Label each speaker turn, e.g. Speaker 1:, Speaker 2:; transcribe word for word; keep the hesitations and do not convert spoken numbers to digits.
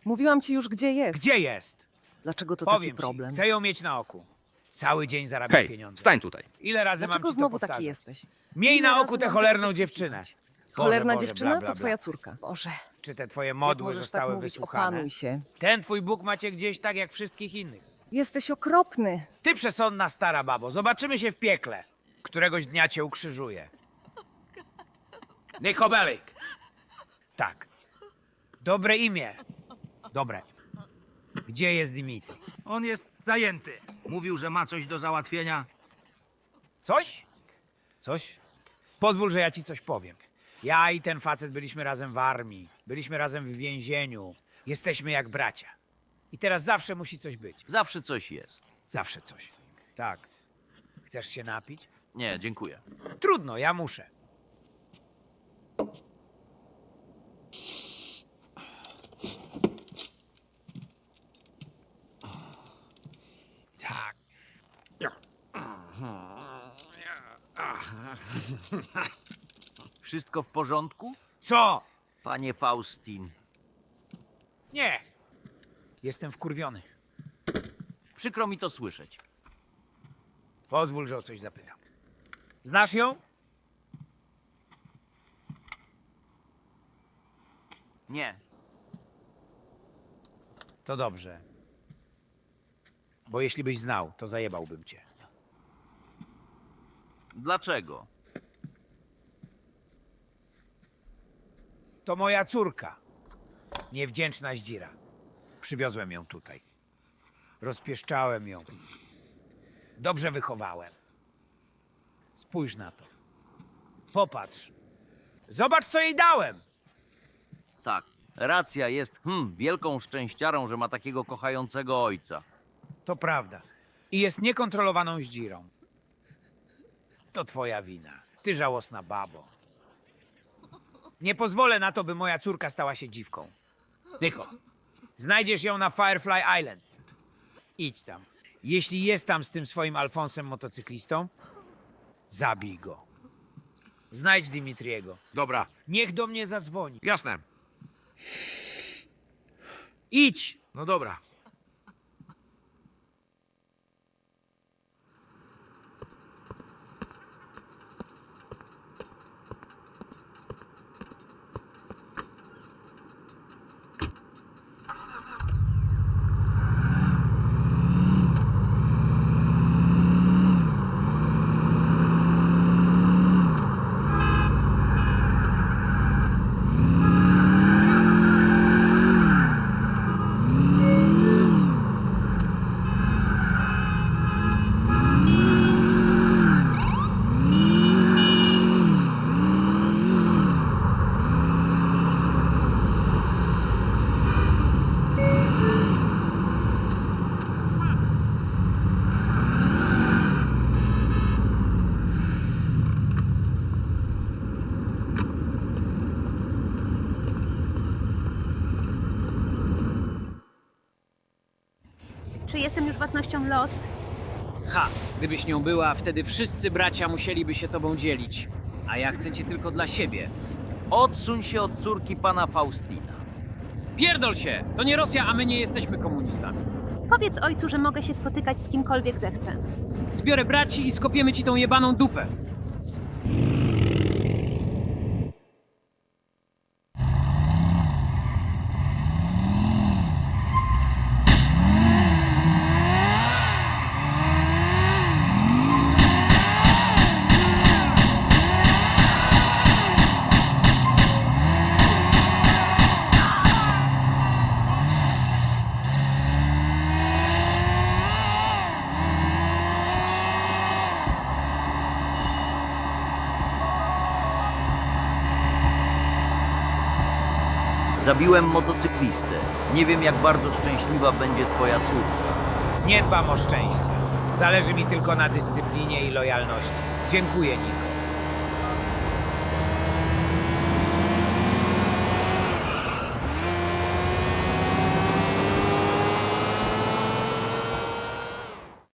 Speaker 1: Mówiłam ci już, gdzie jest.
Speaker 2: Gdzie jest?
Speaker 1: Dlaczego to
Speaker 2: Powiem
Speaker 1: taki problem?
Speaker 2: ci, chcę ją mieć na oku. Cały dzień zarabiam
Speaker 3: Hej,
Speaker 2: pieniądze.
Speaker 3: stań tutaj.
Speaker 2: Ile razy
Speaker 1: Dlaczego
Speaker 2: mam ci
Speaker 1: znowu
Speaker 2: to
Speaker 1: taki
Speaker 2: powtarzać?
Speaker 1: jesteś?
Speaker 2: Miej
Speaker 1: Ile
Speaker 2: na
Speaker 1: razy
Speaker 2: oku tę
Speaker 1: mam
Speaker 2: cholerną
Speaker 1: tak
Speaker 2: dziewczynę.
Speaker 1: wysłuchiwać?
Speaker 2: Boże,
Speaker 1: Cholerna
Speaker 2: Boże,
Speaker 1: dziewczyna
Speaker 2: bla, bla,
Speaker 1: to
Speaker 2: bla.
Speaker 1: twoja córka. Boże,
Speaker 2: Czy te twoje
Speaker 1: jak
Speaker 2: modły
Speaker 1: możesz
Speaker 2: zostały
Speaker 1: tak mówić?
Speaker 2: wysłuchane?
Speaker 1: Opanuj się.
Speaker 2: Ten twój Bóg macie gdzieś tak jak wszystkich innych.
Speaker 1: Jesteś okropny.
Speaker 2: Ty przesądna stara babo, zobaczymy się w piekle. Któregoś dnia cię ukrzyżuję. Nikobelik. Tak. Dobre imię. Dobre. Gdzie jest Dimitri?
Speaker 4: On jest zajęty. Mówił, że ma coś do załatwienia.
Speaker 2: Coś? Coś? Pozwól, że ja ci coś powiem. Ja i ten facet byliśmy razem w armii. Byliśmy razem w więzieniu. Jesteśmy jak bracia. I teraz zawsze musi coś być.
Speaker 5: Zawsze coś jest.
Speaker 2: Zawsze coś. Tak. Chcesz się napić?
Speaker 5: Nie, dziękuję.
Speaker 2: Trudno, ja muszę. Tak.
Speaker 5: Wszystko w porządku?
Speaker 2: Co?
Speaker 5: Panie Faustin.
Speaker 2: Nie. Jestem wkurwiony.
Speaker 5: Przykro mi to słyszeć.
Speaker 2: Pozwól, że o coś zapytam. Znasz ją?
Speaker 5: Nie.
Speaker 2: To dobrze. Bo jeśli byś znał, to zajebałbym cię.
Speaker 5: Dlaczego?
Speaker 2: To moja córka. Niewdzięczna zdzira. Przywiozłem ją tutaj. Rozpieszczałem ją. Dobrze wychowałem. Spójrz na to. Popatrz. Zobacz, co jej dałem.
Speaker 5: Tak. Racja jest, hmm, wielką szczęściarą, że ma takiego kochającego ojca.
Speaker 2: To prawda. I jest niekontrolowaną zdzirą. To twoja wina. Ty żałosna babo. Nie pozwolę na to, by moja córka stała się dziwką. Niko, znajdziesz ją na Firefly Island. Idź tam. Jeśli jest tam z tym swoim Alfonsem motocyklistą, zabij go. Znajdź Dimitriego.
Speaker 3: Dobra,
Speaker 2: Niech do mnie zadzwoni.
Speaker 3: jasne.
Speaker 2: Idź!
Speaker 3: No dobra.
Speaker 6: Czy jestem już własnością Lost?
Speaker 7: Ha! Gdybyś nią była, wtedy wszyscy bracia musieliby się tobą dzielić. A ja chcę cię tylko dla siebie.
Speaker 5: Odsuń się od córki pana Faustina.
Speaker 7: Pierdol się! To nie Rosja, a my nie jesteśmy komunistami.
Speaker 6: Powiedz ojcu, że mogę się spotykać z kimkolwiek zechcę.
Speaker 7: Zbiorę braci i skopiemy ci tą jebaną dupę.
Speaker 5: Zabiłem motocyklistę. Nie wiem, jak bardzo szczęśliwa będzie twoja córka.
Speaker 2: Nie dbam o szczęście. Zależy mi tylko na dyscyplinie i lojalności. Dziękuję, Niko.